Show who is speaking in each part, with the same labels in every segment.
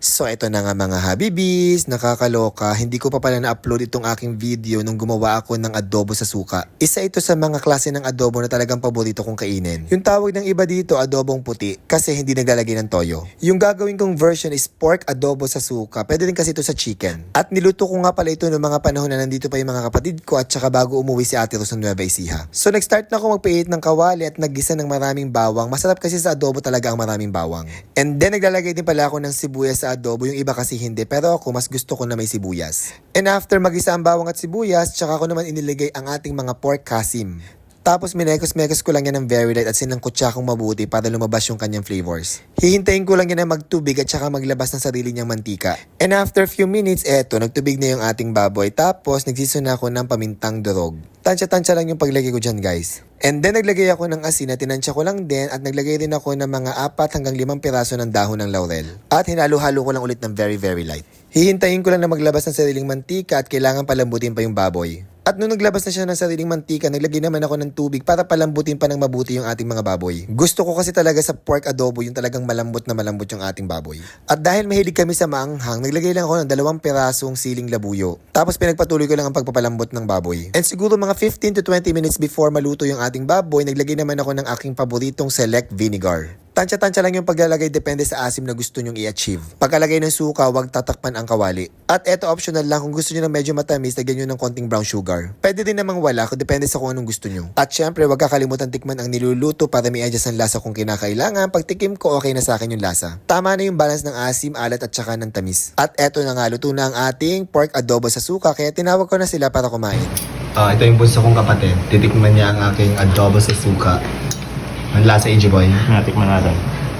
Speaker 1: So ito na nga mga habibis, nakakaloka, hindi ko pa pala na-upload itong aking video nung gumawa ako ng adobo sa suka. Isa ito sa mga klase ng adobo na talagang paborito kong kainin. Yung tawag ng iba dito, adobong puti, kasi hindi naglalagay ng toyo. Yung gagawin kong version is pork adobo sa suka, pwede din kasi ito sa chicken. At niluto ko nga pala ito noong mga panahon na nandito pa yung mga kapatid ko at saka bago umuwi si Ate Rose ng Nueva Ecija. So nag-start na ako magpiit ng kawali at naggisa ng maraming bawang. Masarap kasi sa adobo talaga ang maraming bawang. And then naglalagay din pala ako ng sibuyas sa adobo, yung iba kasi hindi, pero ako mas gusto ko na may sibuyas. And after magisa ang bawang at sibuyas, tsaka ko naman iniligay ang ating mga pork kasim. Tapos minekos-mekos ko lang yan ng very light at sinangkot siya akong mabuti para lumabas yung kanyang flavors. Hihintayin ko lang yan na magtubig at saka maglabas ng sarili niyang mantika. And after few minutes, eto, nagtubig na yung ating baboy. Tapos nagsison ako ng pamintang durog. Tansya-tansya lang yung paglagay ko dyan, guys. And then naglagay ako ng asin na tinansya ko lang din at naglagay din ako ng mga 4 hanggang 5 piraso ng dahon ng laurel. At hinalo-halo ko lang ulit ng very light. Hihintayin ko lang na maglabas ng sariling mantika at kailangan palambutin pa yung baboy. At nung naglabas na siya ng sariling mantika, naglagay naman ako ng tubig para palambutin pa ng mabuti yung ating mga baboy. Gusto ko kasi talaga sa pork adobo yung talagang malambot na malambot yung ating baboy. At dahil mahilig kami sa maanghang, naglagay lang ako ng 2 pirasong siling labuyo. Tapos pinagpatuloy ko lang ang pagpapalambot ng baboy. And siguro mga 15 to 20 minutes before maluto yung ating baboy, naglagay naman ako ng aking paboritong select vinegar. Tansya-tansya lang yung paglalagay, depende sa asim na gusto nyong i-achieve. Pagkalagay ng suka, huwag tatakpan ang kawali. At eto optional lang, kung gusto nyo na medyo matamis, lagyan nyo ng konting brown sugar. Pwede din namang wala, kung depende sa kung anong gusto nyo. At syempre, huwag kakalimutan tikman ang niluluto para may adjust ang lasa kung kinakailangan. Pag tikim ko, okay na sa akin yung lasa. Tama na yung balance ng asim, alat at saka ng tamis. At eto na nga, luto na ang ating pork adobo sa suka, kaya tinawag ko na sila para kumain.
Speaker 2: Ito yung bunso kong kapatid. Titikman niya ang aking adobo sa suka. Ang lasa, AJ Boy.
Speaker 3: Tikman natin.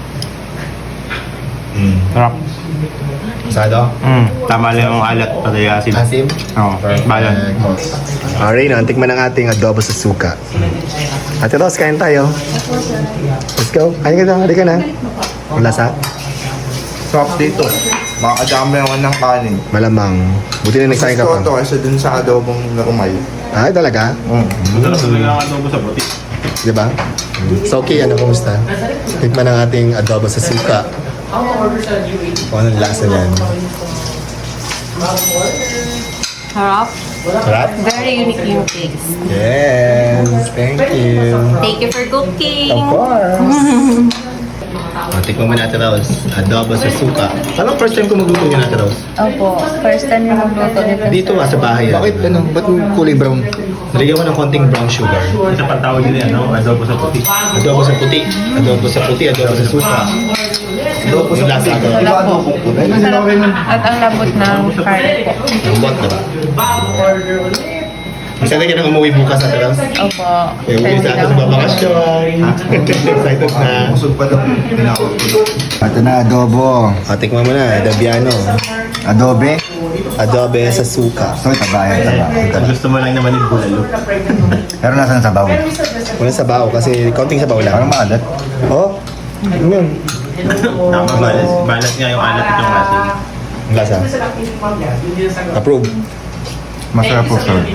Speaker 2: Mm.
Speaker 3: Sarap.
Speaker 2: Sado?
Speaker 3: Tama lang yung alat pati asin.
Speaker 2: Asim?
Speaker 3: Oo, balan.
Speaker 2: Alright, no, tikman ang ating adobo sa suka. Ate Rose, kain tayo. Let's go. Kain ka na, halika na. Ang lasa?
Speaker 4: Sarap dito. Makakadami naman ng kanin.
Speaker 2: Malamang. Buti na nagsahin ka
Speaker 4: Gusto ko to
Speaker 2: pa.
Speaker 4: kaysa dun sa adobong narumay.
Speaker 2: Ay, talaga?
Speaker 3: Masarap talaga ang adobo sa puti.
Speaker 2: Diba? So, okay, ano, kumusta? Tikman ang ating adobo sa suka. Kung anong lasa niyan.
Speaker 5: Sarap.
Speaker 2: Sarap?
Speaker 5: Very unique yung taste.
Speaker 2: Yes, thank you.
Speaker 5: Thank you for cooking.
Speaker 2: Of course. Tikman mo na, Ate Rose. Adobo sa suka. Parang first time ko magluto niya, Ate Rose.
Speaker 5: Opo, first time yung magluto nito.
Speaker 2: Dito sa bahay. Bakit ano? Ba't kulay brown? Nalagyan ko ng konting brown sugar.
Speaker 3: Isa pang tawag nila, no? Adobo sa puti.
Speaker 2: Adobo sa puti. Adobo sa puti. Adobo sa suka. Adobo sa lasa agad.
Speaker 5: Wala po. Masarap at ang labot ng curry po.
Speaker 2: Ang bot, diba? Excited ka na umuwi bukas, Ate Rose?
Speaker 5: Opo.
Speaker 2: Eh, uwi sa atin sa babakasyon. Excited na.
Speaker 4: Kusog pa daw. Tinawag ko.
Speaker 6: Ito na, adobo.
Speaker 2: Tikman mo na, Dabiano.
Speaker 6: Adobe.
Speaker 2: Adobe sa suka.
Speaker 6: Ito, taba.
Speaker 3: Gusto mo lang naman yung bulalo.
Speaker 6: Pero nasan sabaw?
Speaker 2: Walang sabaw kasi konting sabaw
Speaker 6: Parang
Speaker 2: lang.
Speaker 6: maalat.
Speaker 2: Oh, ano yun?
Speaker 3: Tama, balat nga yung alat at yung asin.
Speaker 2: Ang lasa. Approve.
Speaker 6: Masarap po, sir.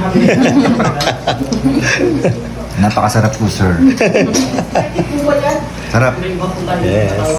Speaker 6: Napakasarap po, sir. Sarap.
Speaker 2: Yes.